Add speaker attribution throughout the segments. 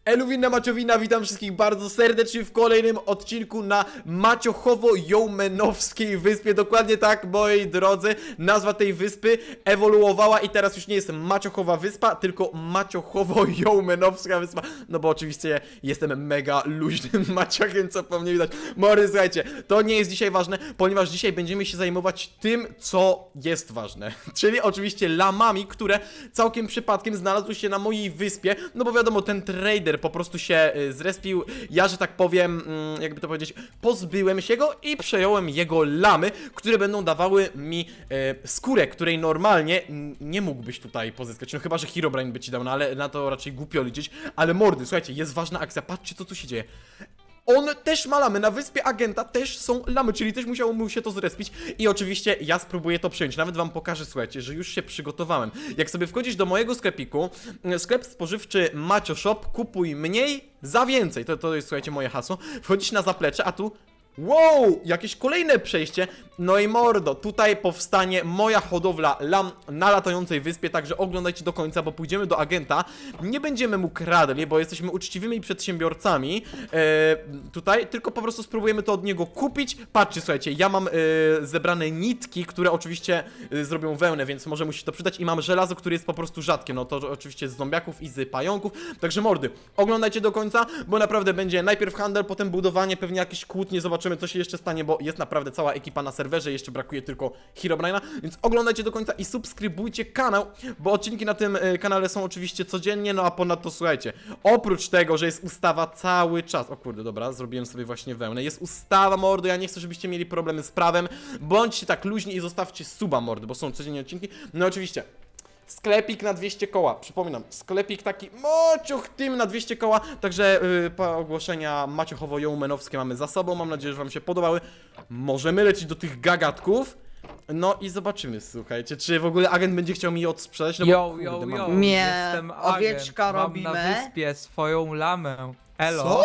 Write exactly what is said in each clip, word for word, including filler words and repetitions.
Speaker 1: Eluwina Maciowina, witam wszystkich bardzo serdecznie w kolejnym odcinku na Maciochowo-Jołmenowskiej wyspie. Dokładnie tak, moi drodzy, nazwa tej wyspy ewoluowała i teraz już nie jest Maciochowa wyspa, tylko Maciochowo-Jołmenowska wyspa. No bo oczywiście jestem mega luźnym maciochem, co po mnie widać. Mory, słuchajcie, to nie jest dzisiaj ważne, ponieważ dzisiaj będziemy się zajmować tym, co jest ważne. Czyli oczywiście lamami, które całkiem przypadkiem znalazły się na mojej wyspie. No bo wiadomo, ten trader po prostu się y, zrespił, ja, że tak powiem, mm, jakby to powiedzieć, pozbyłem się go i przejąłem jego lamy, które będą dawały mi y, skórę, której normalnie nie mógłbyś tutaj pozyskać, no chyba, że Herobrine by ci dał, no ale na to raczej głupio liczyć. Ale mordy, słuchajcie, jest ważna akcja, patrzcie, co tu się dzieje. On też ma lamy, na wyspie agenta też są lamy, czyli też musiało mu się to zrespić. I oczywiście ja spróbuję to przyjąć, nawet wam pokażę, słuchajcie, że już się przygotowałem. Jak sobie wchodzisz do mojego sklepiku, sklep spożywczy Macio Shop, kupuj mniej za więcej, to, to jest, słuchajcie, moje hasło. Wchodzisz na zaplecze, a tu... Wow, jakieś kolejne przejście. No i mordo, tutaj powstanie moja hodowla lam na latającej wyspie, także oglądajcie do końca, bo pójdziemy do agenta. Nie będziemy mu kradli, bo jesteśmy uczciwymi przedsiębiorcami e, tutaj, tylko po prostu spróbujemy to od niego kupić. Patrzcie, słuchajcie, ja mam e, zebrane nitki, które oczywiście e, zrobią wełnę, więc może mu się to przydać, i mam żelazo, które jest po prostu rzadkie, no to oczywiście z zombiaków i z pająków. Także mordy, oglądajcie do końca, bo naprawdę będzie najpierw handel, potem budowanie, pewnie jakieś kłótnie, zobaczymy, co się jeszcze stanie, bo jest naprawdę cała ekipa na serwerze, jeszcze brakuje tylko Herobrine'a, więc oglądajcie do końca i subskrybujcie kanał, bo odcinki na tym y, kanale są oczywiście codziennie, no a ponadto słuchajcie, oprócz tego, że jest ustawa cały czas, o kurde, dobra, zrobiłem sobie właśnie wełnę, jest ustawa, mordy, ja nie chcę, żebyście mieli problemy z prawem, bądźcie tak luźni i zostawcie suba, mordy, bo są codziennie odcinki, no oczywiście. Sklepik na dwieście koła, przypominam, sklepik taki mociuch tym na dwieście koła, także yy, po ogłoszenia Maciochowo-Jołmenowskie mamy za sobą, mam nadzieję, że wam się podobały. Możemy lecieć do tych gagatków, no i zobaczymy, słuchajcie, czy w ogóle agent będzie chciał mi je odsprzedać, no bo,
Speaker 2: Yo,
Speaker 1: kurde,
Speaker 2: yo,
Speaker 1: mam-
Speaker 2: yo,
Speaker 3: Nie,
Speaker 2: jestem
Speaker 3: owieczka
Speaker 2: agent.
Speaker 3: robimy.
Speaker 2: Mam na wyspie swoją lamę. Elo.
Speaker 1: Co?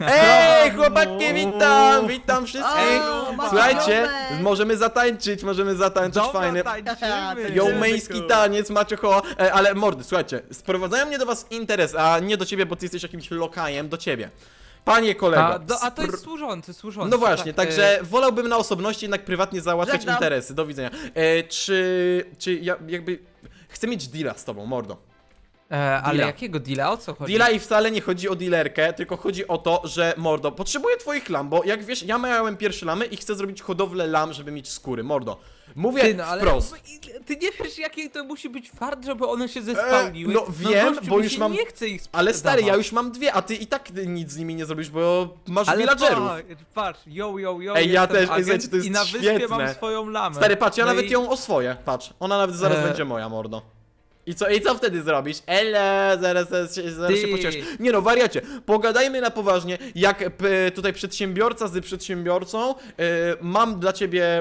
Speaker 1: Ej, chłopaki, witam, witam wszystkich.
Speaker 3: O, mamy
Speaker 1: Słuchajcie,
Speaker 3: domek.
Speaker 1: możemy zatańczyć, możemy zatańczyć
Speaker 2: Dobra,
Speaker 1: fajny
Speaker 2: tańczymy.
Speaker 1: jołmeński taniec, Maciocho, e, ale mordy, słuchajcie, sprowadzają mnie do was interes, a nie do ciebie, bo ty jesteś jakimś lokajem, do ciebie. Panie kolego.
Speaker 2: A, do, a to jest
Speaker 1: spr-
Speaker 2: służący, służący.
Speaker 1: No właśnie,
Speaker 2: tak,
Speaker 1: także wolałbym na osobności jednak prywatnie załatwiać
Speaker 3: Żegnam.
Speaker 1: interesy, do widzenia. E, czy, czy ja jakby, chcę mieć deala z tobą, mordo.
Speaker 2: E, ale
Speaker 1: deala.
Speaker 2: jakiego deala? O co chodzi?
Speaker 1: Deala i wcale nie chodzi o dealerkę, tylko chodzi o to, że mordo, potrzebuję twoich lam, bo jak wiesz, ja miałem pierwsze lamy i chcę zrobić hodowlę lam, żeby mieć skóry, mordo. Mówię
Speaker 2: Ty, no, ale
Speaker 1: wprost.
Speaker 2: ty nie wiesz, jaki to musi być fart, żeby one się zespałniły.
Speaker 1: E, no wiem,
Speaker 2: gościu,
Speaker 1: bo
Speaker 2: mi
Speaker 1: już
Speaker 2: się
Speaker 1: mam-
Speaker 2: nie chcę ich
Speaker 1: Ale stary, ja
Speaker 2: sprzedawać.
Speaker 1: już mam dwie, a ty i tak nic z nimi nie zrobisz, bo masz
Speaker 2: Ale
Speaker 1: villagerów.
Speaker 2: patrz, patrz, yo, yo, yo,
Speaker 1: Ej, ja
Speaker 2: jestem
Speaker 1: też, ej,
Speaker 2: agent
Speaker 1: słuchajcie, to jest
Speaker 2: i na wyspie
Speaker 1: świetne.
Speaker 2: mam swoją lamę.
Speaker 1: Stary, patrz, ja
Speaker 2: No
Speaker 1: nawet
Speaker 2: i-
Speaker 1: ją oswoję, patrz. Ona nawet zaraz
Speaker 2: E.
Speaker 1: będzie moja, mordo. I co, i co wtedy zrobisz? Ele, zaraz, zaraz, się- zaraz się
Speaker 2: Ty.
Speaker 1: pocieszysz. Nie no, wariacie, pogadajmy na poważnie, jak p, tutaj przedsiębiorca z przedsiębiorcą, y, mam dla ciebie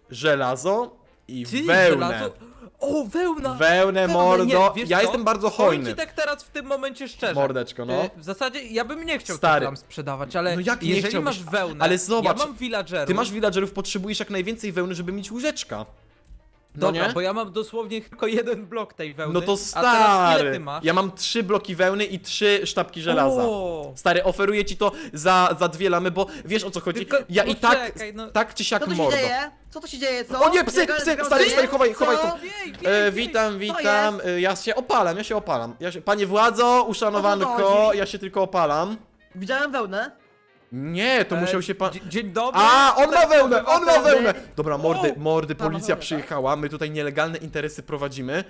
Speaker 1: żelazo i
Speaker 2: Ty,
Speaker 1: wełnę.
Speaker 2: żelazo? O, wełna!
Speaker 1: Wełnę,
Speaker 2: Nie,
Speaker 1: mordo,
Speaker 2: wiesz
Speaker 1: ja
Speaker 2: co?
Speaker 1: jestem bardzo
Speaker 2: Powiem
Speaker 1: hojny.
Speaker 2: ci tak teraz w tym momencie szczerze.
Speaker 1: Mordeczko, no.
Speaker 2: Ty, w zasadzie ja bym nie chciał
Speaker 1: Stary.
Speaker 2: tego tam sprzedawać, ale
Speaker 1: No jak nie
Speaker 2: jeżeli
Speaker 1: chciałbyś?
Speaker 2: masz wełnę,
Speaker 1: Ale zobacz,
Speaker 2: ja mam villagerów.
Speaker 1: Ty masz villagerów, potrzebujesz jak najwięcej wełny, żeby mieć łóżeczka. No
Speaker 2: Dobra,
Speaker 1: nie?
Speaker 2: bo ja mam dosłownie tylko jeden blok tej wełny.
Speaker 1: No to
Speaker 2: A teraz ile
Speaker 1: stary,
Speaker 2: ty masz?
Speaker 1: ja mam trzy bloki wełny i trzy sztabki żelaza.
Speaker 2: O!
Speaker 1: Stary, oferuję ci to za, za dwie lamy, bo wiesz o co chodzi?
Speaker 2: Tylko
Speaker 1: Ja i tak,
Speaker 2: poczekaj, no.
Speaker 1: tak czy siak
Speaker 3: Co tu się
Speaker 1: mordo.
Speaker 3: dzieje? Co tu się dzieje, co?
Speaker 1: O nie, psy,
Speaker 3: Jaka-
Speaker 1: psy,
Speaker 3: jaka-
Speaker 1: stary,
Speaker 3: co?
Speaker 1: stary, chowaj, chowaj to.
Speaker 3: Co?
Speaker 2: Wiej, wiej,
Speaker 1: E,
Speaker 2: wiej.
Speaker 1: witam, witam, e, ja się opalam, ja się opalam. Ja się, panie władzo, uszanowanko,
Speaker 3: O co chodzi?
Speaker 1: ja się tylko opalam.
Speaker 3: Widziałem wełnę.
Speaker 1: Nie, to
Speaker 2: E,
Speaker 1: musiał się pan...
Speaker 2: dzie- Dzień dobry.
Speaker 1: A, on ma wełnę, on ma
Speaker 3: obywatele.
Speaker 1: wełnę! Dobra, mordy,
Speaker 2: O,
Speaker 1: mordy,
Speaker 3: tam ma
Speaker 1: policja
Speaker 3: wełnę, tak?
Speaker 1: przyjechała, my tutaj nielegalne interesy prowadzimy.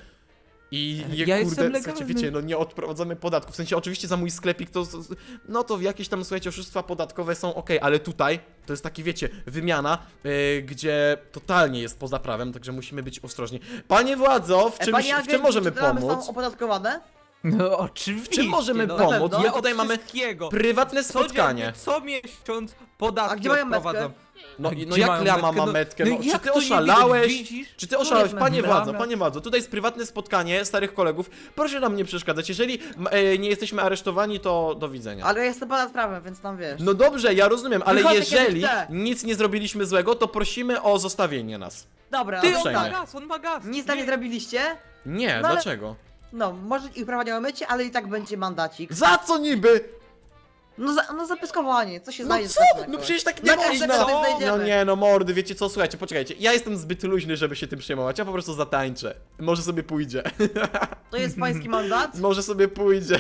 Speaker 1: I je,
Speaker 2: Ja
Speaker 1: kurde,
Speaker 2: jestem
Speaker 1: słuchajcie,
Speaker 2: legalny.
Speaker 1: wiecie, no nie odprowadzamy podatków. W sensie oczywiście za mój sklepik to, no to jakieś tam, słuchajcie, oszustwa podatkowe są ok, ale tutaj to jest taki, wiecie, wymiana, yy, gdzie totalnie jest poza prawem, także musimy być ostrożni. Panie władzo, w
Speaker 3: E,
Speaker 1: czym,
Speaker 3: panie
Speaker 1: w
Speaker 3: agent,
Speaker 1: czym możemy
Speaker 3: czy te lamy
Speaker 1: pomóc?
Speaker 3: są opodatkowane?
Speaker 2: No oczywiście.
Speaker 1: W czym możemy
Speaker 2: no,
Speaker 1: pomóc?
Speaker 3: pewno.
Speaker 1: My
Speaker 2: Ja
Speaker 1: tutaj
Speaker 2: od
Speaker 1: mamy
Speaker 2: wszystkiego.
Speaker 1: prywatne spotkanie.
Speaker 2: Codziennie, co miesiąc podatki
Speaker 3: A gdzie mają metkę?
Speaker 2: odprowadzam.
Speaker 1: No,
Speaker 2: A
Speaker 1: i- no
Speaker 2: gdzie
Speaker 1: jak
Speaker 2: mają
Speaker 1: ja mam
Speaker 2: metkę? No-
Speaker 1: metkę?
Speaker 2: no
Speaker 1: No, czy
Speaker 2: jak
Speaker 1: ty
Speaker 2: to nie
Speaker 1: oszalałeś?
Speaker 2: widać? Widzisz?
Speaker 1: Czy ty
Speaker 3: No
Speaker 1: oszalałeś?
Speaker 3: jest
Speaker 1: Panie
Speaker 3: metka.
Speaker 1: władzo, panie władzo, tutaj jest prywatne spotkanie starych kolegów. Proszę nam nie przeszkadzać. Jeżeli m, e, nie jesteśmy aresztowani, to do widzenia.
Speaker 3: Ale ja jestem ponad prawem, więc tam wiesz.
Speaker 1: No dobrze, ja rozumiem, ale
Speaker 3: Wychodzę,
Speaker 1: jeżeli
Speaker 3: kiedy chcę.
Speaker 1: nic nie zrobiliśmy złego, to prosimy o zostawienie nas.
Speaker 3: Dobra,
Speaker 2: Ty,
Speaker 3: no
Speaker 2: on
Speaker 1: uprzejmie.
Speaker 2: ma
Speaker 3: tak.
Speaker 2: gaz, on ma gaz.
Speaker 3: Nic tam nie zrobiliście?
Speaker 1: Nie,
Speaker 3: No ale-
Speaker 1: dlaczego?
Speaker 3: No, może ich prawa nie mycie, ale i tak będzie mandacik.
Speaker 1: Za co niby?
Speaker 3: No, za, no zapyskowanie, co się
Speaker 1: No
Speaker 3: znajdzie?
Speaker 1: co?
Speaker 3: takiego?
Speaker 1: No przecież tak nie
Speaker 3: Jaka
Speaker 1: można.
Speaker 3: rzecz tutaj znajdziemy?
Speaker 1: No nie, no mordy, wiecie co, słuchajcie, poczekajcie. Ja jestem zbyt luźny, żeby się tym przejmować, ja po prostu zatańczę. Może sobie pójdzie.
Speaker 3: To jest pański mandat?
Speaker 1: Może sobie pójdzie.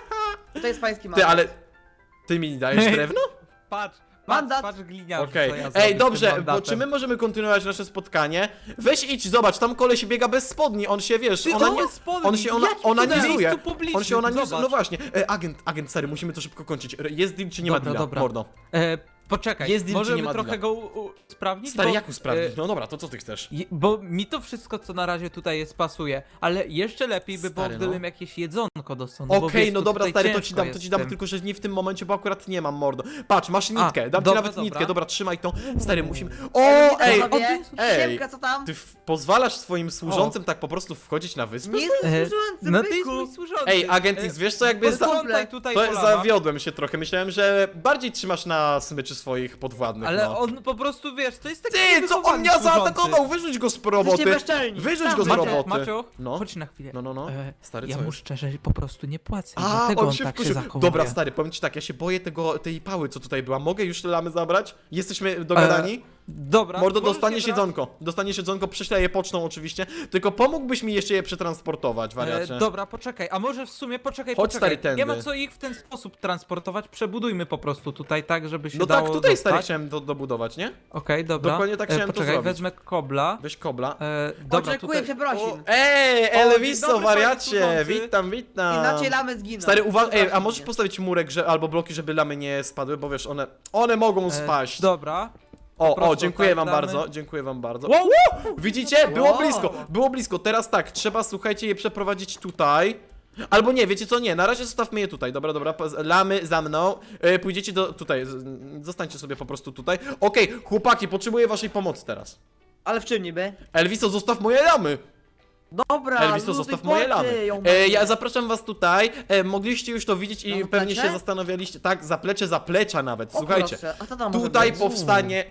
Speaker 3: To jest pański mandat.
Speaker 1: Ty, ale... Ty mi dajesz drewno?
Speaker 2: Patrz,
Speaker 3: Mandat.
Speaker 2: patrz, patrz gliniarzu,
Speaker 1: Okej.
Speaker 2: co ja zrobię
Speaker 1: Ej,
Speaker 2: z tym
Speaker 1: dobrze, bo
Speaker 2: mandatem.
Speaker 1: czy my możemy kontynuować nasze spotkanie? Weź idź, zobacz, tam koleś biega bez spodni, on się, wiesz,
Speaker 2: Ty,
Speaker 1: ona
Speaker 2: to
Speaker 1: nie...
Speaker 2: jest spodni.
Speaker 1: On się ona,
Speaker 2: Jakim cudem?
Speaker 1: onanizuje.
Speaker 2: Miejscu publicznym,
Speaker 1: On się onanizuje,
Speaker 2: zobacz.
Speaker 1: no właśnie. E, agent, agent, stary, musimy to szybko kończyć. Re- Jest deal czy nie ma
Speaker 2: Dobra,
Speaker 1: deala?
Speaker 2: dobra.
Speaker 1: Mordo.
Speaker 2: E, poczekaj,
Speaker 1: Jest deal, czy
Speaker 2: możemy
Speaker 1: nie ma
Speaker 2: trochę
Speaker 1: deala?
Speaker 2: go u, u, sprawdzić?
Speaker 1: Stary,
Speaker 2: bo,
Speaker 1: jak usprawnić?
Speaker 2: e,
Speaker 1: No dobra, to co ty chcesz?
Speaker 2: Je- Bo mi to wszystko, co na razie tutaj jest, pasuje, ale jeszcze lepiej by było,
Speaker 1: Stary, no.
Speaker 2: gdybym jakieś jedzonko dostał.
Speaker 1: Okej,
Speaker 2: No, bo wiesz,
Speaker 1: no
Speaker 2: to
Speaker 1: dobra,
Speaker 2: tutaj
Speaker 1: stary, to ci
Speaker 2: ciężko
Speaker 1: dam, to
Speaker 2: jest
Speaker 1: ci dam,
Speaker 2: z tym.
Speaker 1: tylko że nie w tym momencie, bo akurat nie mam, mordo. Patrz, masz nitkę, dam ci
Speaker 2: dobra,
Speaker 1: nawet
Speaker 2: dobra.
Speaker 1: nitkę, dobra, trzymaj tą. Stary, musimy... O,
Speaker 3: Ej,
Speaker 1: ej,
Speaker 3: panowie,
Speaker 1: ej.
Speaker 3: Siemka, co tam?
Speaker 1: ty w- pozwalasz swoim służącym tak po prostu wchodzić na wyspę?
Speaker 3: Nie jestem
Speaker 2: E,
Speaker 3: służący,
Speaker 2: No ty jest
Speaker 3: byku.
Speaker 2: mój służący.
Speaker 1: Ej, agent
Speaker 2: E,
Speaker 1: X, wiesz co, jakby za...
Speaker 2: posprzątaj tutaj
Speaker 1: To
Speaker 2: po lamach.
Speaker 1: zawiodłem się trochę, myślałem, że bardziej trzymasz na smyczy swoich podwładnych,
Speaker 2: Ale
Speaker 1: no.
Speaker 2: on po prostu, wiesz, to jest taki
Speaker 1: Ty, co on
Speaker 2: niewychowany
Speaker 1: mnie
Speaker 2: służący.
Speaker 1: zaatakował? Wyrzuć go z
Speaker 3: Jesteście
Speaker 1: roboty!
Speaker 3: bezczelni.
Speaker 1: Wyrzuć
Speaker 3: Sam
Speaker 1: go z
Speaker 3: wiecie.
Speaker 1: roboty!
Speaker 2: Maciuch,
Speaker 1: No.
Speaker 2: chodź na chwilę.
Speaker 1: No, no, no.
Speaker 2: E,
Speaker 1: Stary,
Speaker 2: ja
Speaker 1: co
Speaker 2: mu
Speaker 1: jest?
Speaker 2: szczerze po prostu nie płacę,
Speaker 1: A,
Speaker 2: dlatego
Speaker 1: on
Speaker 2: on
Speaker 1: się
Speaker 2: tak się
Speaker 1: wkurzył.
Speaker 2: zachowuje.
Speaker 1: Dobra, stary, powiem ci tak, ja się boję tego, tej pały, co tutaj była. Mogę już te lamy zabrać? Jesteśmy dogadani?
Speaker 2: Dobra.
Speaker 1: Mordo,
Speaker 2: możesz
Speaker 1: dostaniesz
Speaker 2: je brać.
Speaker 1: jedzonko. Dostaniesz jedzonko, prześlę je pocztą oczywiście. Tylko pomógłbyś mi jeszcze je przetransportować, wariacie.
Speaker 2: E, dobra, poczekaj, a może w sumie poczekaj,
Speaker 1: Chodź,
Speaker 2: poczekaj.
Speaker 1: stary, tędy.
Speaker 2: Nie ma co ich w ten sposób transportować, przebudujmy po prostu tutaj tak, żeby się
Speaker 1: No
Speaker 2: dało
Speaker 1: tak, tutaj stary
Speaker 2: dostać.
Speaker 1: chciałem do, dobudować, nie?
Speaker 2: Okej, dobra.
Speaker 1: Dokładnie tak
Speaker 2: E,
Speaker 1: chciałem to
Speaker 2: poczekaj,
Speaker 1: zrobić.
Speaker 2: wezmę kobla.
Speaker 1: Weź kobla.
Speaker 2: E, dobra,
Speaker 3: Oczekuję
Speaker 2: tutaj...
Speaker 3: przeprosin.
Speaker 1: Ej,
Speaker 2: dzień
Speaker 1: Elviso,
Speaker 2: dobry,
Speaker 1: wariacie!
Speaker 2: panie służący.
Speaker 1: Witam, witam!
Speaker 3: Inaczej lamy zginą.
Speaker 1: Stary, uwaga, ej, a
Speaker 3: Przeprosin
Speaker 1: możesz
Speaker 3: mnie.
Speaker 1: postawić murek, że, albo bloki, żeby lamy nie spadły, bo wiesz, one, one mogą
Speaker 2: E,
Speaker 1: spaść.
Speaker 2: dobra.
Speaker 1: O, o,
Speaker 2: prostu
Speaker 1: dziękuję
Speaker 2: tak
Speaker 1: wam
Speaker 2: damy.
Speaker 1: bardzo, dziękuję wam bardzo.
Speaker 2: Wow!
Speaker 1: Widzicie? Było
Speaker 3: Wow.
Speaker 1: blisko, było blisko. Teraz tak, trzeba, słuchajcie, je przeprowadzić tutaj. Albo nie, wiecie co, nie, na razie zostawmy je tutaj, dobra, dobra, po- lamy za mną, e, pójdziecie do, tutaj, z- zostańcie sobie po prostu tutaj. Okej, chłopaki, potrzebuję waszej pomocy teraz.
Speaker 3: Ale w czym niby?
Speaker 1: Elviso, zostaw moje lamy!
Speaker 3: Dobra,
Speaker 1: Elviso,
Speaker 3: luzuj
Speaker 1: zostaw moje
Speaker 3: porty,
Speaker 1: lamy.
Speaker 3: ją
Speaker 1: E,
Speaker 3: będzie.
Speaker 1: ja zapraszam was tutaj, e, mogliście już to widzieć i
Speaker 3: Na
Speaker 1: pewnie
Speaker 3: zaplecze?
Speaker 1: się zastanawialiście, tak, zaplecze, zaplecza nawet,
Speaker 3: O,
Speaker 1: słuchajcie.
Speaker 3: proszę, a co tam może
Speaker 1: Tutaj
Speaker 3: być?
Speaker 1: powstanie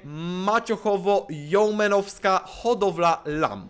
Speaker 1: maciochowo-jołmenowska hodowla lam.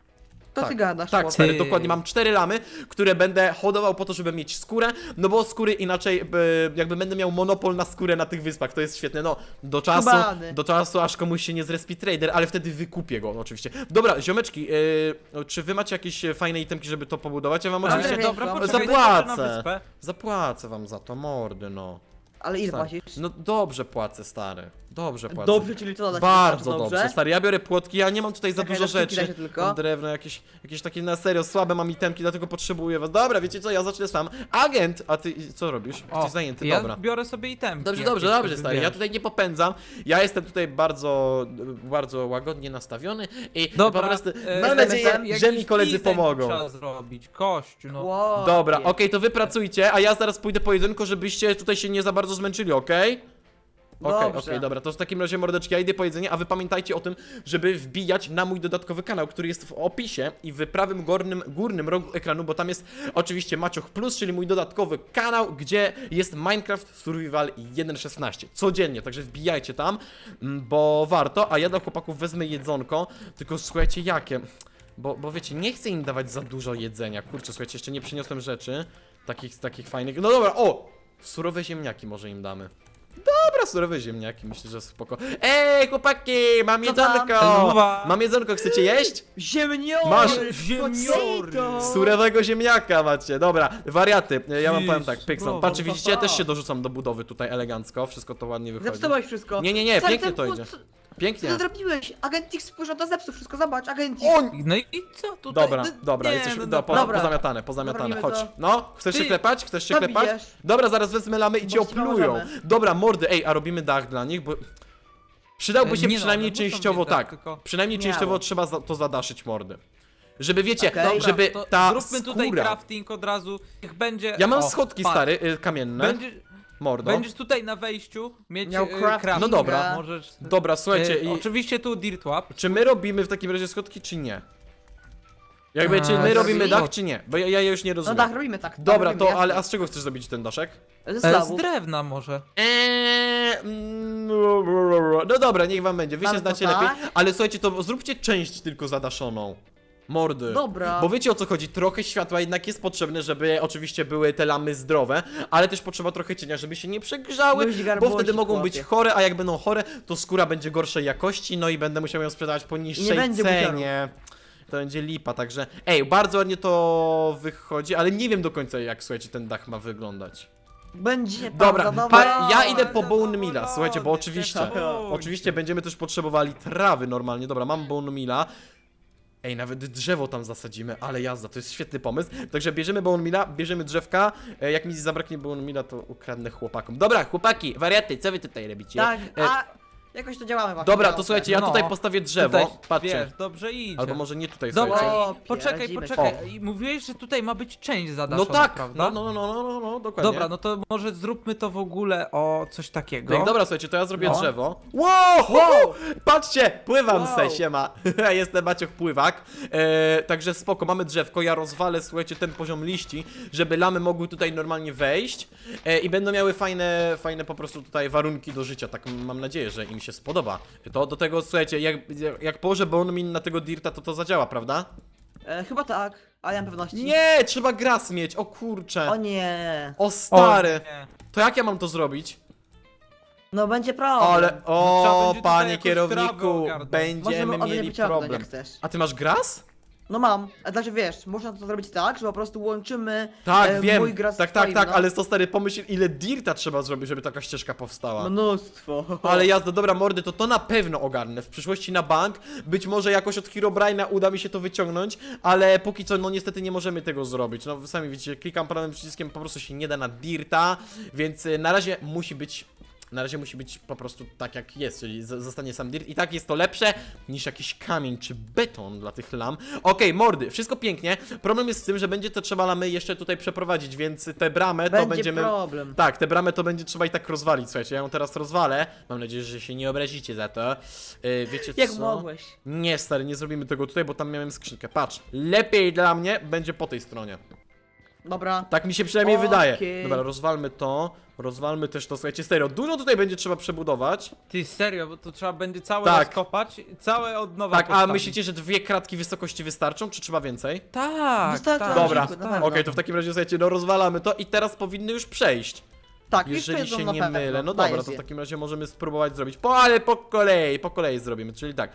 Speaker 3: To ty gadasz,
Speaker 1: Tak,
Speaker 3: chłopie.
Speaker 1: stary,
Speaker 2: Ty.
Speaker 1: dokładnie mam cztery lamy, które będę hodował po to, żeby mieć skórę, no bo skóry inaczej, e, jakby będę miał monopol na skórę na tych wyspach, to jest świetne, no, do czasu,
Speaker 3: Skubany.
Speaker 1: do czasu aż komuś się nie zrespi trader, ale wtedy wykupię go oczywiście. Dobra, ziomeczki, e, czy wy macie jakieś fajne itemki, żeby to pobudować? Ja wam
Speaker 3: Ale
Speaker 1: oczywiście
Speaker 3: wiem,
Speaker 2: dobra,
Speaker 3: no.
Speaker 2: poczekaj,
Speaker 1: Zapłacę.
Speaker 2: zobaczę na wyspę.
Speaker 1: zapłacę wam za to, mordy, no.
Speaker 3: Ale ile
Speaker 1: Stary.
Speaker 3: płacisz?
Speaker 1: No dobrze płacę, stary, dobrze płacę.
Speaker 3: Dobrze, czyli co da się
Speaker 1: Bardzo
Speaker 3: dobrze?
Speaker 1: dobrze, stary, ja biorę płotki, ja nie mam tutaj za
Speaker 3: Czekaj,
Speaker 1: dużo
Speaker 3: na sztuki
Speaker 1: rzeczy.
Speaker 3: dajcie tylko.
Speaker 1: Mam drewno, jakieś, jakieś takie na serio słabe mam itemki, dlatego potrzebuję was. Dobra, wiecie co, ja zacznę sam. Agent, a ty co robisz? Jesteś zajęty,
Speaker 2: ja
Speaker 1: dobra.
Speaker 2: biorę sobie itemki.
Speaker 1: Dobrze,
Speaker 2: jakieś,
Speaker 1: dobrze, dobrze,
Speaker 2: żeby
Speaker 1: stary, ja
Speaker 2: wiesz.
Speaker 1: tutaj nie popędzam, ja jestem tutaj bardzo, bardzo łagodnie nastawiony i
Speaker 2: Dobra,
Speaker 1: po prostu
Speaker 2: e,
Speaker 1: mam
Speaker 3: jestem
Speaker 1: nadzieję,
Speaker 3: tam,
Speaker 1: że mi
Speaker 2: jakiś
Speaker 1: koledzy
Speaker 2: design
Speaker 1: pomogą.
Speaker 2: Trzeba zrobić, kościół, no.
Speaker 3: Wow.
Speaker 1: Dobra, okej, to wy pracujcie, a ja zaraz pójdę po jedynko, żebyście tutaj się nie za bardzo zmęczyli, okej? Okej, okej,
Speaker 3: Dobrze.
Speaker 1: dobra, to w takim razie mordeczki, ja idę po jedzenie, a wy pamiętajcie o tym, żeby wbijać na mój dodatkowy kanał, który jest w opisie i w prawym górnym, górnym rogu ekranu, bo tam jest oczywiście Macioch Plus, czyli mój dodatkowy kanał, gdzie jest Minecraft Survival jeden szesnaście codziennie, także wbijajcie tam, mm, bo warto, a ja dla chłopaków wezmę jedzonko, tylko słuchajcie jakie, bo, bo wiecie, nie chcę im dawać za dużo jedzenia, kurczę, słuchajcie, jeszcze nie przyniosłem rzeczy, takich, takich fajnych, no dobra, o, surowe ziemniaki może im damy. Dobra, surowe ziemniaki, myślę, że spoko. Ej, chłopaki, mam
Speaker 3: Co tam?
Speaker 1: jedzonko!
Speaker 2: Luwa.
Speaker 1: Mam jedzonko, chcecie jeść?
Speaker 3: Ziemniory!
Speaker 1: Masz
Speaker 2: ziemniory.
Speaker 3: potato!
Speaker 1: Surowego ziemniaka macie, dobra, wariaty, ja wam
Speaker 2: Ty,
Speaker 1: powiem tak, Pixel,
Speaker 2: spoko,
Speaker 1: patrzcie, widzicie, ja
Speaker 3: papa.
Speaker 1: też się dorzucam do budowy tutaj elegancko, wszystko to ładnie wychodzi.
Speaker 3: Zepsułeś wszystko.
Speaker 1: Nie, nie, nie,
Speaker 3: Stary,
Speaker 1: pięknie
Speaker 3: ten
Speaker 1: to
Speaker 3: płot-
Speaker 1: idzie.
Speaker 3: Co, co
Speaker 1: Pięknie.
Speaker 3: ty zrobiłeś? Agent X spojrzał, to zepsuł wszystko, zobacz, Agent X.
Speaker 1: O,
Speaker 2: No i i co tutaj?
Speaker 1: dobra,
Speaker 2: No,
Speaker 1: dobra,
Speaker 2: nie,
Speaker 1: jesteś,
Speaker 2: no,
Speaker 1: do, po,
Speaker 3: dobra.
Speaker 1: pozamiatane, pozamiatane,
Speaker 3: Robimy
Speaker 1: chodź.
Speaker 3: to.
Speaker 1: No, chcesz się
Speaker 2: Ty,
Speaker 1: klepać? Chcesz się
Speaker 3: to
Speaker 1: klepać?
Speaker 3: bijesz.
Speaker 1: Dobra, zaraz wezmę lamy i cię
Speaker 3: Bo ci
Speaker 1: oplują.
Speaker 3: pomożemy.
Speaker 1: Dobra, mordy, ej, a robimy dach dla nich, bo... Przydałby się
Speaker 2: Nie no,
Speaker 1: przynajmniej
Speaker 2: one muszą
Speaker 1: częściowo,
Speaker 2: mieć dach,
Speaker 1: tak,
Speaker 2: tylko-
Speaker 1: przynajmniej
Speaker 3: Miało.
Speaker 1: częściowo trzeba za, to zadaszyć, mordy. Żeby, wiecie,
Speaker 3: Okej.
Speaker 2: Dobra,
Speaker 1: żeby
Speaker 2: to
Speaker 1: ta
Speaker 2: zróbmy tutaj
Speaker 1: skóra...
Speaker 2: crafting od razu, niech będzie...
Speaker 1: Ja mam
Speaker 2: o,
Speaker 1: schodki,
Speaker 2: patrz.
Speaker 1: stary, y, kamienne,
Speaker 2: Będzie,
Speaker 1: mordo.
Speaker 2: Będziesz tutaj na wejściu mieć
Speaker 3: Miał
Speaker 2: e,
Speaker 3: crafting.
Speaker 2: crafting.
Speaker 1: No dobra.
Speaker 2: Możesz...
Speaker 1: Dobra, słuchajcie,
Speaker 2: e,
Speaker 1: i...
Speaker 2: Oczywiście tu dirt łap.
Speaker 1: Czy my robimy w takim razie schodki, czy nie? Jakby, czy
Speaker 2: A,
Speaker 1: my robimy
Speaker 3: zrobimy?
Speaker 1: dach, czy nie? Bo ja, ja już nie
Speaker 3: No
Speaker 1: rozumiem.
Speaker 3: tak, robimy tak. tak
Speaker 1: Dobra,
Speaker 3: robimy,
Speaker 1: to,
Speaker 3: jasne.
Speaker 1: ale a z czego chcesz zrobić ten daszek?
Speaker 3: Ze
Speaker 2: E, z
Speaker 3: slabów.
Speaker 2: drewna może.
Speaker 1: Eee, mm, no dobra, niech wam będzie, wy się
Speaker 3: Mamy to
Speaker 1: znacie
Speaker 3: tak?
Speaker 1: lepiej, ale słuchajcie, to zróbcie część tylko zadaszoną. Mordy.
Speaker 3: Dobra.
Speaker 1: Bo wiecie o co chodzi, trochę światła jednak jest potrzebne, żeby oczywiście były te lamy zdrowe, ale też potrzeba trochę cienia, żeby się nie przegrzały,
Speaker 3: Luź
Speaker 1: bo
Speaker 3: garbości,
Speaker 1: wtedy mogą być
Speaker 3: chłopie.
Speaker 1: chore, a jak będą chore, to skóra będzie gorszej jakości, no i będę musiał ją sprzedawać po niższej
Speaker 3: będzie
Speaker 1: cenie. To będzie lipa, także ej, bardzo ładnie to wychodzi, ale nie wiem do końca jak, słuchajcie, ten dach ma wyglądać.
Speaker 3: Będzie pan
Speaker 1: Dobra,
Speaker 3: zadowolony.
Speaker 1: pa, ja idę po
Speaker 2: Zadowolony,
Speaker 1: bone milla, słuchajcie, bo oczywiście,
Speaker 2: zadowolony.
Speaker 1: oczywiście będziemy też potrzebowali trawy normalnie, dobra, mam bone milla. Ej, nawet drzewo tam zasadzimy, ale jazda, to jest świetny pomysł. Także bierzemy bone milla, bierzemy drzewka, e, jak mi zabraknie bone milla, to ukradnę chłopakom. Dobra, chłopaki, wariaty, co wy tutaj robicie?
Speaker 3: Tak,
Speaker 1: E,
Speaker 3: a jakoś to działamy właśnie.
Speaker 1: Dobra, to
Speaker 3: dobrze.
Speaker 1: słuchajcie, ja
Speaker 2: No,
Speaker 1: tutaj postawię drzewo,
Speaker 2: Tutaj,
Speaker 1: patrzcie.
Speaker 2: Wiesz, dobrze idzie.
Speaker 1: Albo może nie tutaj,
Speaker 2: Dobra,
Speaker 1: słuchajcie.
Speaker 3: O,
Speaker 2: i poczekaj,
Speaker 3: pierdzimy się.
Speaker 2: poczekaj. I mówiłeś, że tutaj ma być część zadaszona,
Speaker 1: No tak,
Speaker 2: prawda?
Speaker 1: no, no, no, no, no, no, dokładnie.
Speaker 2: Dobra, no to może zróbmy to w ogóle o coś takiego.
Speaker 1: No. Dobra, słuchajcie, to ja zrobię
Speaker 2: No.
Speaker 1: drzewo. Wow, wow! Patrzcie, pływam
Speaker 3: Wow.
Speaker 1: se, siema. Jestem Maciuch Pływak. E, także spoko, mamy drzewko, ja rozwalę, słuchajcie, ten poziom liści, żeby lamy mogły tutaj normalnie wejść e, i będą miały fajne, fajne po prostu tutaj warunki do życia, tak mam nadzieję, że im się spodoba. To do tego, słuchajcie, jak, jak położę bone min na tego dirta, to to zadziała, prawda?
Speaker 3: E, chyba tak, ale nie mam pewności.
Speaker 1: Nie, trzeba gras mieć, o kurcze.
Speaker 3: O nie.
Speaker 1: O
Speaker 2: O,
Speaker 1: stary.
Speaker 2: nie.
Speaker 1: To jak ja mam to zrobić?
Speaker 3: No będzie problem.
Speaker 1: Ale,
Speaker 2: Trzeba
Speaker 1: o,
Speaker 2: będzie tutaj
Speaker 1: panie
Speaker 2: jakąś
Speaker 1: kierowniku,
Speaker 2: trawę ogarnąć.
Speaker 1: będziemy
Speaker 3: Możemy ode mnie
Speaker 1: mieli
Speaker 3: wyciągnąć,
Speaker 1: problem.
Speaker 3: jak chcesz.
Speaker 1: A ty masz gras?
Speaker 3: No mam, a znaczy wiesz, można to zrobić tak, że po prostu łączymy
Speaker 1: Tak,
Speaker 3: e,
Speaker 1: wiem.
Speaker 3: mój gras
Speaker 1: Tak,
Speaker 3: z
Speaker 1: tak,
Speaker 3: twoim,
Speaker 1: tak,
Speaker 3: no.
Speaker 1: ale to stary, pomyśl ile dirta trzeba zrobić, żeby taka ścieżka powstała.
Speaker 3: Mnóstwo.
Speaker 1: Ale jazda, dobra mordy, to to na pewno ogarnę. W przyszłości na bank, być może jakoś od Herobrine'a uda mi się to wyciągnąć, ale póki co, no niestety nie możemy tego zrobić. No wy sami widzicie, klikam prawym przyciskiem, po prostu się nie da na dirta, więc y, na razie musi być... Na razie musi być po prostu tak jak jest, czyli z- zostanie sam dirt i tak jest to lepsze niż jakiś kamień czy beton dla tych lam. Okej, mordy, wszystko pięknie. Problem jest z tym, że będzie to trzeba lamy jeszcze tutaj przeprowadzić, więc te bramę to
Speaker 3: Będzie
Speaker 1: będziemy...
Speaker 3: problem.
Speaker 1: Tak, tę bramę to będzie trzeba i tak rozwalić, słuchajcie, ja ją teraz rozwalę. Mam nadzieję, że się nie obrazicie za to. Yy, wiecie
Speaker 3: Jak
Speaker 1: co?
Speaker 3: mogłeś?
Speaker 1: Nie, stary, nie zrobimy tego tutaj, bo tam miałem skrzynkę. Patrz, lepiej dla mnie będzie po tej stronie.
Speaker 3: Dobra.
Speaker 1: Tak mi się przynajmniej
Speaker 3: Okej.
Speaker 1: wydaje. Dobra, rozwalmy to. Rozwalmy też to, słuchajcie, serio. Dużo tutaj będzie trzeba przebudować.
Speaker 2: Ty serio, bo to trzeba będzie całe
Speaker 1: Tak.
Speaker 2: rozkopać, całe od nowa
Speaker 1: Tak, a
Speaker 2: postawić.
Speaker 1: myślicie, że dwie kratki wysokości wystarczą, czy trzeba więcej?
Speaker 2: Tak,
Speaker 3: Wystarczy
Speaker 2: tak.
Speaker 1: Dobra,
Speaker 3: na
Speaker 1: okej,
Speaker 3: pewno.
Speaker 1: to w takim razie, słuchajcie, no rozwalamy to i teraz powinny już przejść.
Speaker 3: Tak, już
Speaker 1: Jeżeli
Speaker 3: przejdą
Speaker 1: się
Speaker 3: na
Speaker 1: nie
Speaker 3: pewno.
Speaker 1: mylę. No
Speaker 3: Daję
Speaker 1: dobra, to w
Speaker 3: zje.
Speaker 1: takim razie możemy spróbować zrobić. Po, ale po kolei, po kolei zrobimy, czyli tak.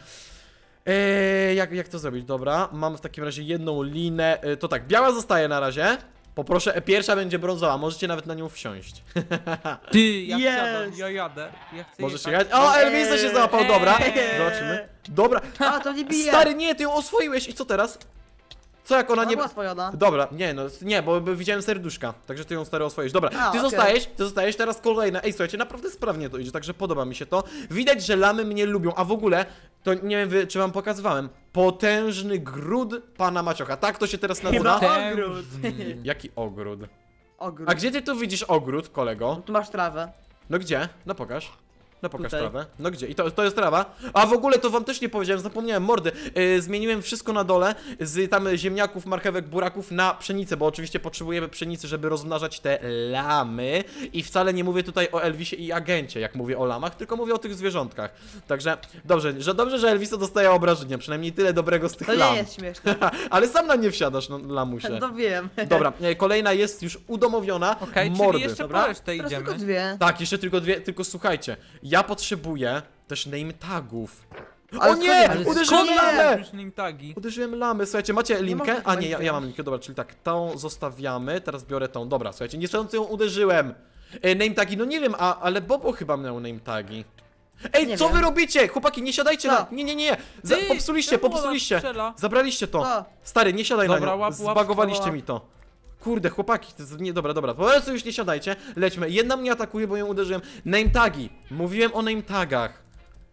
Speaker 1: Eee, jak, jak to zrobić? Dobra, mam w takim razie jedną linę. E, to tak, biała zostaje na razie. Poproszę, e, pierwsza będzie brązowa, możecie nawet na nią wsiąść.
Speaker 2: Ty, ja
Speaker 3: Jest.
Speaker 2: wsiadam, ja jadę. Ja chcę
Speaker 1: Możesz
Speaker 2: jechać.
Speaker 1: jechać. O, Elvisa się załapał, dobra.
Speaker 2: Eee.
Speaker 1: Zobaczymy. Dobra.
Speaker 3: A, to nie bije.
Speaker 1: Stary, nie, ty ją oswoiłeś i co teraz? Co jak ona
Speaker 3: Ona
Speaker 1: nie...
Speaker 3: była swojona.
Speaker 1: Dobra, nie no, nie, bo bo widziałem serduszka, także ty ją stary oswoisz. Dobra,
Speaker 3: A,
Speaker 1: ty
Speaker 3: okej.
Speaker 1: zostajesz, ty zostajesz, teraz kolejna. Ej, słuchajcie, naprawdę sprawnie to idzie, także podoba mi się to. Widać, że lamy mnie lubią, a w ogóle, to nie wiem, wy- czy wam pokazywałem, potężny gród pana Maciocha, tak to się teraz nazywa?
Speaker 3: Chyba.
Speaker 2: Ten-
Speaker 3: Ogród.
Speaker 1: Jaki ogród?
Speaker 3: Ogród.
Speaker 1: A gdzie ty tu widzisz ogród, kolego?
Speaker 3: Tu masz trawę.
Speaker 1: No gdzie? No pokaż. No pokaż
Speaker 3: Tutaj.
Speaker 1: trawę. No gdzie? I to, to jest trawa? A w ogóle to wam też nie powiedziałem, zapomniałem, mordy. Yy, zmieniłem wszystko na dole z tam ziemniaków, marchewek, buraków na pszenicę, bo oczywiście potrzebujemy pszenicy, żeby rozmnażać te lamy. I wcale nie mówię tutaj o Elvisie i agencie, jak mówię o lamach, tylko mówię o tych zwierzątkach. Także dobrze, że dobrze, że Elviso dostaje obrażenia, przynajmniej tyle dobrego z tych
Speaker 3: To
Speaker 1: lam.
Speaker 3: nie jest śmieszne.
Speaker 1: Ale sam na nie wsiadasz, no lamusie.
Speaker 3: To wiem.
Speaker 1: Dobra, e, kolejna jest już udomowiona.
Speaker 2: Okej,
Speaker 1: mordy.
Speaker 2: czyli jeszcze
Speaker 3: Dobra.
Speaker 2: po resztę
Speaker 3: Teraz
Speaker 2: idziemy.
Speaker 3: tylko dwie.
Speaker 1: Tak, jeszcze tylko dwie, tylko słuchajcie, ja potrzebuję też name tagów.
Speaker 3: Ale
Speaker 1: O nie!
Speaker 3: skąd-
Speaker 2: Ale
Speaker 1: Uderzyłem
Speaker 2: skąd
Speaker 3: nie?
Speaker 1: lamę!
Speaker 2: masz nim tagi?
Speaker 1: Uderzyłem lamy, słuchajcie, macie linkę?
Speaker 3: można
Speaker 1: A
Speaker 3: chyba
Speaker 1: nie, ja,
Speaker 3: ich
Speaker 1: ja mam
Speaker 3: wziąć.
Speaker 1: linkę, dobra, czyli tak, tą zostawiamy, teraz biorę tą, dobra, słuchajcie, niechcący ją uderzyłem. E, name tagi, no nie wiem, a, ale Bobo chyba miał name tagi. Ej,
Speaker 3: Nie
Speaker 1: co
Speaker 3: wiem.
Speaker 1: wy robicie? Chłopaki, nie siadajcie
Speaker 3: Co?
Speaker 1: na... Nie, nie, nie, Za,
Speaker 2: Ty,
Speaker 1: popsuliście,
Speaker 2: czemu ona
Speaker 1: popsuliście.
Speaker 2: strzela?
Speaker 1: Zabraliście to.
Speaker 3: Co?
Speaker 1: Stary, nie siadaj
Speaker 2: Dobra,
Speaker 1: na nią,
Speaker 2: łap, łap,
Speaker 1: zbagowaliście
Speaker 2: łap.
Speaker 1: mi to. Kurde, chłopaki, to jest nie, dobra, dobra, po prostu już nie siadajcie, lećmy. Jedna mnie atakuje, bo ją uderzyłem. Name tagi, mówiłem o name tagach.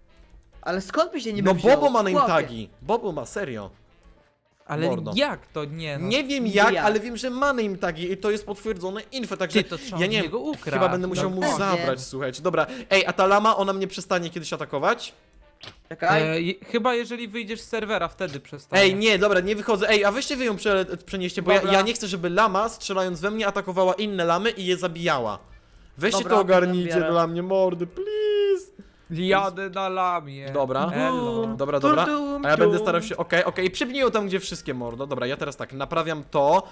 Speaker 3: Ale skąd by się nie
Speaker 1: No
Speaker 3: wziął?
Speaker 1: Bobo ma name
Speaker 3: Chłopie.
Speaker 1: tagi, Bobo ma, serio.
Speaker 2: Ale
Speaker 1: Mordo.
Speaker 2: jak to nie no?
Speaker 1: Nie wiem
Speaker 3: nie
Speaker 1: jak,
Speaker 3: jak.
Speaker 1: ale wiem, że ma name tagi i to jest potwierdzone info, także
Speaker 2: Ty, to trzeba
Speaker 1: ja
Speaker 2: od
Speaker 1: nie
Speaker 2: niego
Speaker 1: wiem,
Speaker 2: ukraść.
Speaker 1: chyba będę musiał mu
Speaker 3: pewnie.
Speaker 1: zabrać, słuchajcie. Dobra, ej, a ta lama, ona mnie przestanie kiedyś atakować?
Speaker 3: Czekaj.
Speaker 2: E, je- chyba jeżeli wyjdziesz z serwera, wtedy przestanie.
Speaker 1: Ej, nie, dobra, nie wychodzę. Ej, a weźcie wy ją prze, przenieście, bo ja,
Speaker 2: Dobra.
Speaker 1: ja nie chcę, żeby lama strzelając we mnie atakowała inne lamy i je zabijała. Weźcie
Speaker 3: Dobra,
Speaker 1: to ogarnijcie
Speaker 3: biorę.
Speaker 1: dla mnie, mordy, please.
Speaker 2: Jadę na lamie.
Speaker 1: Dobra.
Speaker 2: Elo.
Speaker 1: Dobra, dobra.
Speaker 3: Tum,
Speaker 1: A ja będę
Speaker 3: tum.
Speaker 1: starał się, okej, okej, przypnij tam, gdzie wszystkie mordo. Dobra, ja teraz tak, naprawiam to.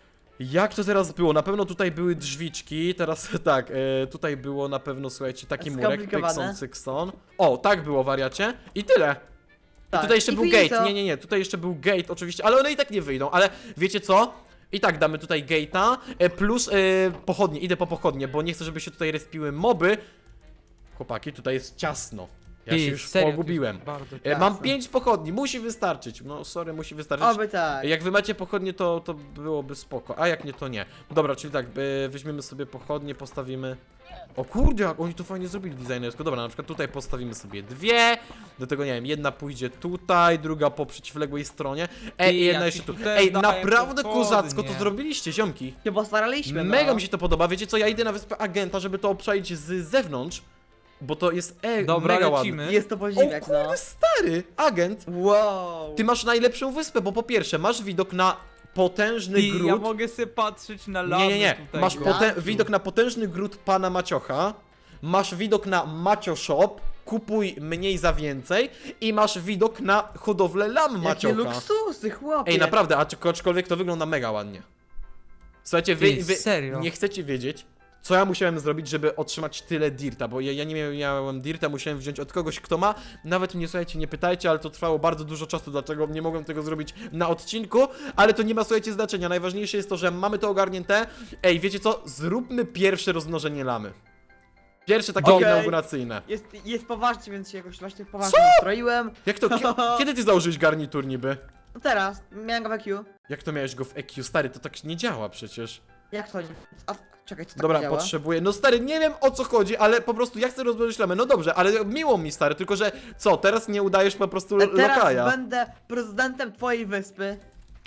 Speaker 1: Jak to teraz było? Na pewno tutaj były drzwiczki, teraz tak, e, tutaj było na pewno, słuchajcie, taki murek,
Speaker 3: Skomplikowane.
Speaker 1: pykson, cykson. O, tak było, wariacie. I tyle. I
Speaker 3: Tak.
Speaker 1: tutaj jeszcze
Speaker 3: I
Speaker 1: był
Speaker 3: finito.
Speaker 1: gate, nie, nie, nie, tutaj jeszcze był gate oczywiście, ale one i tak nie wyjdą, ale wiecie co? I tak damy tutaj gate'a, e, plus e, pochodnie, idę po pochodnie, bo nie chcę, żeby się tutaj respiły moby. Chłopaki, tutaj jest ciasno. Ja
Speaker 2: Ty,
Speaker 1: się już
Speaker 2: serio, to jest
Speaker 1: pogubiłem.
Speaker 2: Bardzo
Speaker 1: E, Mam
Speaker 3: Jasne.
Speaker 1: pięć pochodni, musi wystarczyć. No sorry, musi wystarczyć.
Speaker 3: Oby tak.
Speaker 1: Jak wy macie pochodnie, to, to byłoby spoko, a jak nie, to nie. Dobra, czyli tak, e, weźmiemy sobie pochodnie, postawimy... O kurde, jak oni to fajnie zrobili designersko. Dobra, na przykład tutaj postawimy sobie dwie. Do tego, nie wiem, jedna pójdzie tutaj, druga po przeciwległej stronie. Ej,
Speaker 2: Ty,
Speaker 1: i jedna
Speaker 2: ja
Speaker 1: jeszcze
Speaker 2: ci
Speaker 1: tu.
Speaker 2: tutaj
Speaker 1: Ej,
Speaker 2: daję
Speaker 1: naprawdę
Speaker 2: pochodnie.
Speaker 1: kozacko to zrobiliście, ziomki.
Speaker 3: Się postaraliśmy, no.
Speaker 1: Mega mi się to podoba. Wiecie co, ja idę na wyspę agenta, żeby to obczaić z zewnątrz. Bo to jest e,
Speaker 2: Dobra,
Speaker 1: mega
Speaker 2: lecimy.
Speaker 1: ładne.
Speaker 3: Jest to
Speaker 1: O
Speaker 3: podziwiak,
Speaker 1: kurde,
Speaker 3: no.
Speaker 1: stary, agent.
Speaker 3: Wow.
Speaker 1: Ty masz najlepszą wyspę, bo po pierwsze masz widok na potężny
Speaker 2: Ty,
Speaker 1: gród.
Speaker 2: ja mogę sobie patrzeć na lamę
Speaker 1: Nie, nie, nie.
Speaker 2: tutaj.
Speaker 1: Masz
Speaker 2: gościu.
Speaker 1: pote- widok na potężny gród pana Maciocha. Masz widok na Macio Shop. Kupuj mniej za więcej. I masz widok na hodowlę lam
Speaker 3: Jakie
Speaker 1: Maciocha.
Speaker 3: luksusy, chłopie.
Speaker 1: Ej, naprawdę, acz- aczkolwiek to wygląda mega ładnie. Słuchajcie, wy,
Speaker 2: Ty,
Speaker 1: wy
Speaker 2: serio?
Speaker 1: nie chcecie wiedzieć, co ja musiałem zrobić, żeby otrzymać tyle dirta, bo ja, ja nie miałem dirta, musiałem wziąć od kogoś, kto ma. Nawet mnie, słuchajcie, nie pytajcie, ale to trwało bardzo dużo czasu, dlatego nie mogłem tego zrobić na odcinku, ale to nie ma, słuchajcie, znaczenia. Najważniejsze jest to, że mamy to ogarnięte. Ej, wiecie co? Zróbmy pierwsze rozmnożenie lamy. Pierwsze takie
Speaker 3: Okej.
Speaker 1: inauguracyjne.
Speaker 3: Jest, jest poważnie, więc się jakoś właśnie poważnie nastroiłem.
Speaker 1: Jak to? Kie- kiedy ty założyłeś garnitur niby?
Speaker 3: No teraz, miałem go w E Q.
Speaker 1: Jak to miałeś go w E Q? Stary, to tak nie działa przecież.
Speaker 3: Jak to nie? A, czekaj, co tak
Speaker 1: Dobra,
Speaker 3: działa?
Speaker 1: potrzebuję. No stary, nie wiem o co chodzi, ale po prostu ja chcę rozłożyć lamę. No dobrze, ale miło mi stary, tylko że co, teraz nie udajesz po prostu
Speaker 3: E, Teraz
Speaker 1: lokaja.
Speaker 3: będę prezydentem twojej wyspy.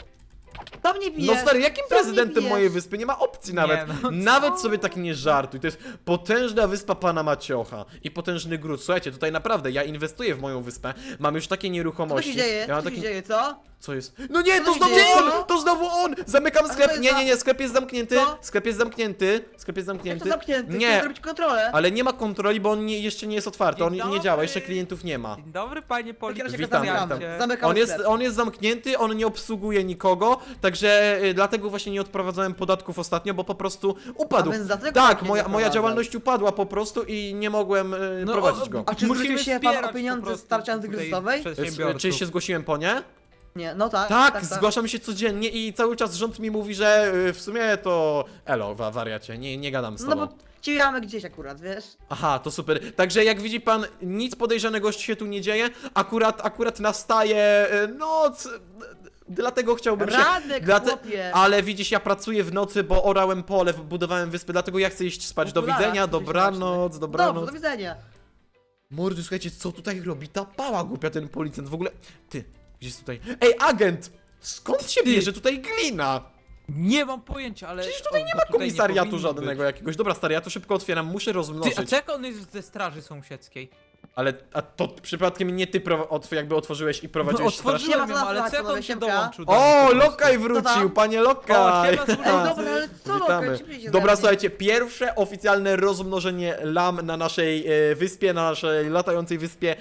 Speaker 3: To mnie bije.
Speaker 1: No stary, jakim
Speaker 3: Co mnie
Speaker 1: prezydentem
Speaker 3: bijesz?
Speaker 1: mojej wyspy? Nie ma opcji nawet.
Speaker 2: no co?
Speaker 1: Nawet sobie tak nie żartuj. To jest potężna wyspa pana Maciocha i potężny gród. Słuchajcie, tutaj naprawdę ja inwestuję w moją wyspę. Mam już takie
Speaker 3: Co
Speaker 1: nieruchomości.
Speaker 3: się dzieje?
Speaker 1: Ja
Speaker 3: Co
Speaker 1: mam
Speaker 3: się
Speaker 1: taki...
Speaker 3: dzieje, co?
Speaker 1: Co jest? No nie,
Speaker 3: Co
Speaker 1: to
Speaker 3: się
Speaker 1: znowu
Speaker 3: dzieje?
Speaker 1: on! To znowu on! Zamykam
Speaker 3: to
Speaker 1: sklep.
Speaker 3: jest
Speaker 1: Nie,
Speaker 3: za-
Speaker 1: nie, nie, sklep jest zamknięty.
Speaker 3: Co?
Speaker 1: Sklep jest zamknięty. Sklep jest
Speaker 3: Jak
Speaker 1: zamknięty.
Speaker 3: to zamknięty?
Speaker 1: Nie,
Speaker 3: Chcę zrobić kontrolę.
Speaker 1: ale nie ma kontroli, bo on nie, jeszcze nie jest otwarty. On
Speaker 2: Dzień
Speaker 1: nie działa,
Speaker 2: dobry.
Speaker 1: jeszcze klientów nie ma.
Speaker 2: Dzień dobry, panie
Speaker 3: W takim razie
Speaker 2: policjancie.
Speaker 1: Witam,
Speaker 3: zamykam.
Speaker 1: witam.
Speaker 3: Zamykam
Speaker 1: On jest,
Speaker 3: sklep.
Speaker 1: on jest zamknięty, on nie obsługuje nikogo, także y, dlatego właśnie nie odprowadzałem podatków ostatnio, bo po prostu upadł.
Speaker 3: A więc dlatego
Speaker 1: Tak,
Speaker 3: właśnie nie
Speaker 1: moja, moja
Speaker 3: prowadzę.
Speaker 1: działalność upadła po prostu i nie mogłem y,
Speaker 2: No,
Speaker 1: prowadzić
Speaker 2: o-
Speaker 1: go.
Speaker 3: A czy
Speaker 2: Musimy
Speaker 3: zwrócił się pan
Speaker 2: wspierać
Speaker 3: o pieniądze
Speaker 2: po prostu
Speaker 3: z tarczy
Speaker 2: tutaj
Speaker 3: antykryzysowej?
Speaker 1: Y,
Speaker 2: przedsiębiorców.
Speaker 1: Czy się zgłosiłem po nie?
Speaker 3: Nie, no tak.
Speaker 1: Tak, zgłaszam się codziennie i cały czas rząd mi mówi, że y, w sumie to... Elo, wa- wariacie, nie, nie gadam z
Speaker 3: No
Speaker 1: tobą.
Speaker 3: bo ciekamy gdzieś akurat, wiesz?
Speaker 1: Aha, to super. Także jak widzi pan, nic podejrzanego się tu nie dzieje. Akurat, akurat nastaje y, noc. y, Dlatego chciałbym się...
Speaker 3: Radek,
Speaker 1: Dlate-
Speaker 3: chłopie!
Speaker 1: Ale widzisz, ja pracuję w nocy, bo orałem pole, budowałem wyspy, dlatego ja chcę iść spać. Do
Speaker 3: Okularach,
Speaker 1: widzenia,
Speaker 3: to się
Speaker 1: dobranoc,
Speaker 3: Dobrze,
Speaker 1: dobranoc.
Speaker 3: do widzenia.
Speaker 1: Mordy, słuchajcie, co tutaj robi ta pała głupia, ten policjant? W ogóle... Ty, gdzie jest tutaj... Ej, agent! Skąd się
Speaker 2: Ty.
Speaker 1: bierze tutaj glina?
Speaker 2: Nie mam pojęcia, ale...
Speaker 1: Przecież tutaj
Speaker 2: o,
Speaker 1: nie
Speaker 2: to
Speaker 1: ma
Speaker 2: tutaj
Speaker 1: komisariatu
Speaker 2: powinno
Speaker 1: żadnego
Speaker 2: być.
Speaker 1: jakiegoś. Dobra, stary, ja to szybko otwieram, muszę rozmnożyć.
Speaker 2: Ty, a czego on jest ze straży sąsiedzkiej?
Speaker 1: Ale a to przypadkiem nie ty pro, otw jakby otworzyłeś i prowadziłeś straż?
Speaker 2: Otworzyłem
Speaker 3: Nie ma
Speaker 2: ją,
Speaker 3: co
Speaker 2: ale
Speaker 3: nas
Speaker 2: co jak on
Speaker 3: słuchać,
Speaker 2: się
Speaker 3: panowie,
Speaker 2: dołączył do mnie
Speaker 1: O,
Speaker 2: po prostu?
Speaker 1: Lokaj
Speaker 3: Co
Speaker 1: wrócił,
Speaker 3: tam?
Speaker 1: panie Lokaj!
Speaker 2: O, siema, słuchaj.
Speaker 3: Ej, dobra, ale co
Speaker 1: Witamy.
Speaker 3: Lokaj, czym się
Speaker 1: Dobra,
Speaker 3: zajmie?
Speaker 1: słuchajcie, pierwsze oficjalne rozmnożenie lam na naszej e, wyspie, na naszej latającej wyspie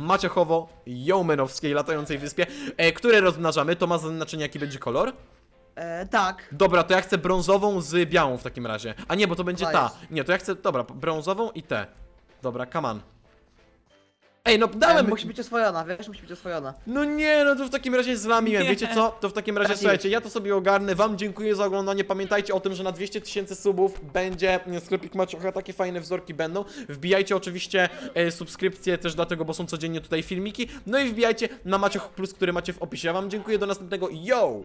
Speaker 1: Maciechowo-Jołmenowskiej latającej wyspie, e, które rozmnażamy. To ma znaczenie, jaki będzie kolor?
Speaker 3: E, tak.
Speaker 1: Dobra, to ja chcę brązową z białą w takim razie. A nie, bo to będzie ta.
Speaker 3: Dajesz.
Speaker 1: Nie, to ja chcę, dobra, brązową i tę. Dobra, come on. Ej, no
Speaker 3: E,
Speaker 1: dałem...
Speaker 3: musi być oswojona, wiesz, musi być oswojona.
Speaker 1: No nie, no to w takim razie zlamiłem.
Speaker 2: Nie.
Speaker 1: Wiecie co? To w takim razie,
Speaker 3: Traciłeś.
Speaker 1: słuchajcie, ja to sobie ogarnę. Wam dziękuję za oglądanie. Pamiętajcie o tym, że na dwieście tysięcy subów będzie sklepik Maciocha. Takie fajne wzorki będą. Wbijajcie oczywiście e, subskrypcje też dlatego, bo są codziennie tutaj filmiki. No i wbijajcie na Macioch Plus, który macie w opisie. Ja wam dziękuję. Do następnego. Yo!